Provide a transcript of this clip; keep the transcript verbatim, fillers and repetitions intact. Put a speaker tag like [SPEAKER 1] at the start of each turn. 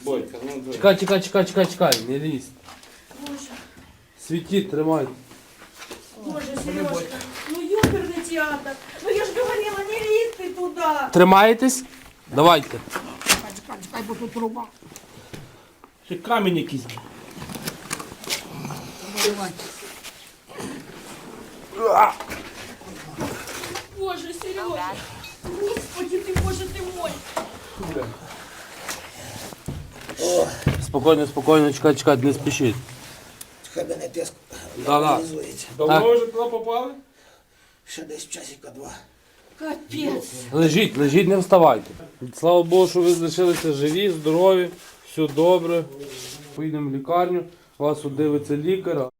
[SPEAKER 1] Бодька, ну давай.
[SPEAKER 2] Чекай, чекай, чекай, чекай, чекай, не лізь.
[SPEAKER 3] Боже,
[SPEAKER 2] Світіть, тримай.
[SPEAKER 3] Боже, Сережка, ну ёперный театр. Ну я ж говорила, не лезь ты туда.
[SPEAKER 2] Тримаєтесь? Давайте.
[SPEAKER 4] Чекай, чекай, бо тут труба.
[SPEAKER 1] Ще камінь якийсь.
[SPEAKER 4] Давай.
[SPEAKER 3] Боже, Сережа. Господи ты, боже ты мой.
[SPEAKER 2] Спокійно, спокійно, чекай, чекай, не спішіть.
[SPEAKER 4] Хай мене тиск
[SPEAKER 2] Да-да.
[SPEAKER 4] нормалізується.
[SPEAKER 1] Давно
[SPEAKER 2] Так.
[SPEAKER 1] вже туди попали?
[SPEAKER 4] Ще десь часика два.
[SPEAKER 3] Капец.
[SPEAKER 2] Лежіть, лежіть, не вставайте. Слава Богу, що ви залишилися живі, здорові, все добре. Поїдемо в лікарню, вас удивиться лікар.